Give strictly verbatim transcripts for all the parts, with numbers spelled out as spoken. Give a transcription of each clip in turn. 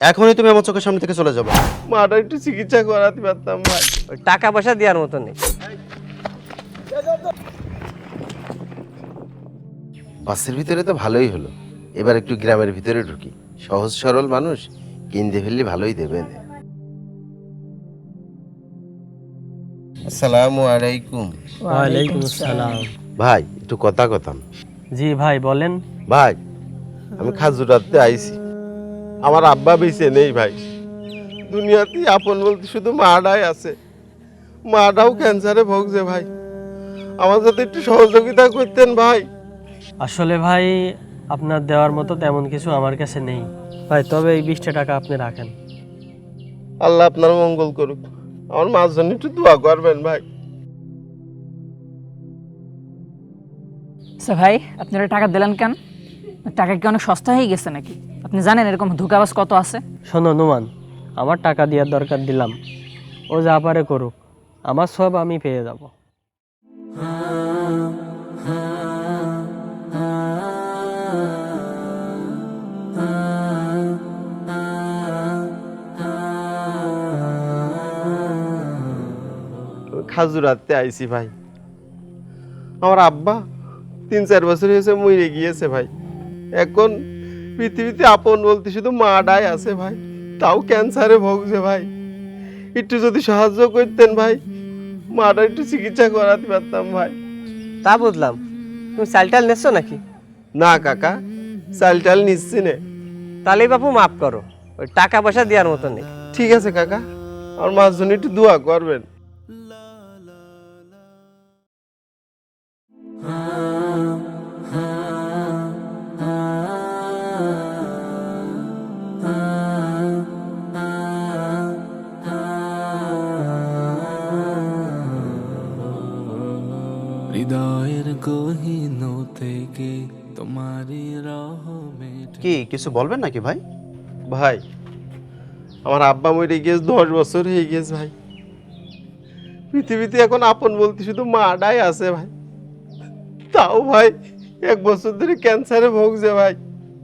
এখনই তুমি আমার চোখের সামনে থেকে চলে যাবে। মাটা একটু চিকিৎসা করাতে পারতাম ভাই। ওই টাকা পয়সা দেওয়ার মতো নেই। বাসের ভিতরে তো ভালোই হলো, এবার একটু গ্রামের ভিতরে ঢুকি। সহজ সরল মানুষ, কিনতে ফেললে ভালোই দেবেন। আসসালামু আলাইকুম। ওয়ালাইকুম আসসালাম। ভাই একটু কথা কথাম। জি ভাই বলেন। ভাই আমি খাজুরাতে আইছি, আমার আব্বা বেঁচে নেই ভাই। দুনিয়াতে আপন বলতে শুধু মাটাই আছে, মাটাও ক্যান্সারে ভুগছে ভাই। আমার সাথে একটু সহযোগিতা করতেন ভাই। আসলে ভাই আপনার দেওয়ার মতো তেমন কিছু আমার কাছে নেই ভাই, তবে এই বিশটা টাকা আপনি রাখেন। আল্লাহ আপনার মঙ্গল করুক, আমার মার জন্য একটু দোয়া করবেন ভাই। আচ্ছা ভাই, আপনারা টাকা দিলেন কেন? টাকা কি অনেক সস্তা হয়ে গেছে নাকি? আপনি জানেন এরকম ধোঁকাবাজ কত আছে? শোনো নুমান, আমার টাকা দেওয়ার দরকার দিলাম, ও যা পারে করুক, আমার সব আমি পেয়ে যাব। খাজুরাতে আইছি ভাই, আমার আব্বা তিন চার বছর হয়েছে মরে গিয়েছে ভাই। এখন পৃথিবীতে আপন বলতে শুধু মাটাই আছে ভাই, তাও ক্যান্সারে ভুগছে ভাই। একটু যদি সাহায্য করতেন ভাই, মাটা একটু চিকিৎসা করাতে পারতাম ভাই। তা বুঝলাম, তুমি চাল টাল নিচ্ছ নাকি? না কাকা, চাল টাল নিচ্ছি নে। তাহলে বাপু মাফ করো, ওই টাকা পয়সা দেওয়ার মতো নেই। ঠিক আছে কাকা, আমার মার জন্য একটু দোয়া করবেন। হৃদয়ের গহীন থেকে তোমারই রহমে। কি কিছু বলবেন নাকি ভাই? ভাই আমার আব্বা মরে গিয়েছে, দশ বছর হয়ে গিয়েছে ভাই। পৃথিবীতে এখন আপন বলতে শুধু মাটাই আছে ভাই, তাও ভাই এক বছর ধরে ক্যান্সারে ভুগছে ভাই।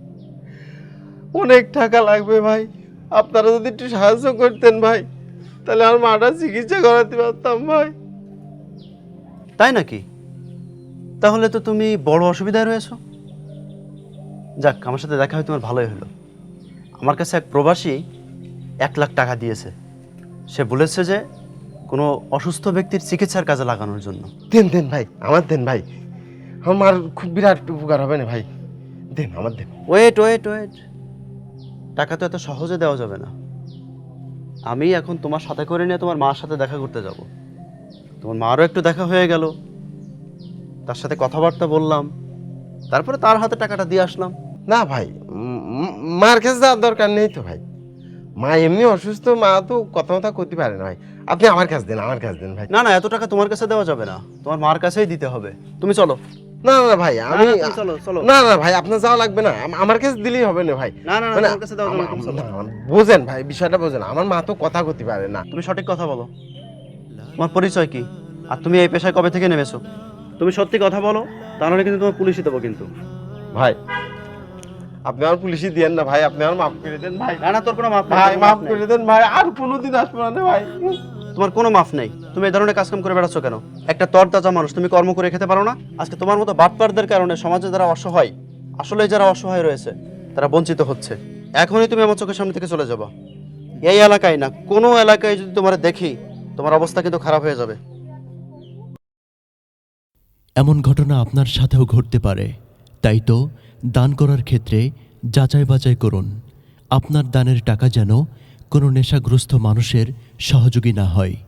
অনেক টাকা লাগবে ভাই, আপনারা যদি একটু সাহায্য করতেন ভাই, তাহলে আমার মাটা চিকিৎসা করাতে পারতাম ভাই। তাই নাকি? তাহলে তো তুমি বড় অসুবিধায় রয়েছো। যাক, আমার সাথে দেখা হয় তোমার ভালোই হলো। আমার কাছে এক প্রবাসী এক লাখ টাকা দিয়েছে। সে বলেছে যে কোনো অসুস্থ ব্যক্তির চিকিৎসার কাজে লাগানোর জন্য। দেন দেন ভাই, আমার দেন ভাই, আমার খুব বিরাট উপকার হবে না ভাই। দেন আমার দেন। ওয়েট ওয়েট ওয়েট টাকা তো এত সহজে দেওয়া যাবে না। আমি এখন তোমার সাথে করে নিয়ে তোমার মার সাথে দেখা করতে যাব। তোমার মারও একটু দেখা হয়ে গেল, তার সাথে কথাবার্তা বললাম, তারপরে তার হাতে টাকাটা দিয়ে আসলাম। না ভাই, উম, উম, মার কাছে যাওয়ার দরকার নেই তো ভাই। মা এমনি অসুস্থ, মা তো কথা কথা করতে পারে না ভাই। আপনি আমার কাছে দেন, আমার কাছে দেন ভাই। না না, এত টাকা তোমার কাছে দেওয়া যাবে না, তোমার মার কাছেই দিতে হবে। তুমি চলো। না না ভাই, আমি না, তুমি চলো, চলো। না না ভাই, আপনার যাওয়া লাগবে না, আম- আমার কাছে দিলেই হবে না ভাই। না, না, না, মানে তোমার কাছে দেওয়া যাবে না, তুমি চলো। আম- আম- বোঝেন ভাই, বিষয়টা বোঝেন, আমার মা তো কথা করতে পারে না। তুমি সঠিক কথা বলো। তোমার পরিচয় কি? আর তুমি এই পেশায় কবে থেকে নেমেছো? তুমি সত্যি কথা বলো, তাহলে কিন্তু তোমার পুলিশে দেবো কিন্তু। ভাই আপনি আমার পুলিশে দিয়েন না ভাই, আপনি আমার মাফ করে দেন ভাই। না না, তোর কোনো মাফ নেই, ভাই কোনো মাফ নেই। করে দেন ভাই, আর কোনোদিন আসবো না ভাই। তোমার কোনো মাফ নেই। তুমি এই ধরনের কাজকাম করে বেড়াচ্ছ কেন? একটা তরতাজা মানুষ, তুমি কর্ম করে খেতে পারো না? আজকে তোমার মতো বাটপারদের কারণে সমাজে যারা অসহায়, আসলে যারা অসহায় রয়েছে, তারা বঞ্চিত হচ্ছে। এখনই তুমি আমার চোখের সামনে থেকে চলে যাবা। এই এলাকায় না, কোনো এলাকায় যদি তোমার দেখি, তোমার অবস্থা কিন্তু খারাপ হয়ে যাবে। এমন ঘটনা আপনার সাথেও ঘটতে পারে, তাই তো দান করার ক্ষেত্রে যাচাই বাছাই করুন। আপনার দানের টাকা যেন কোনো নেশাগ্রস্ত মানুষের সহযোগী না হয়।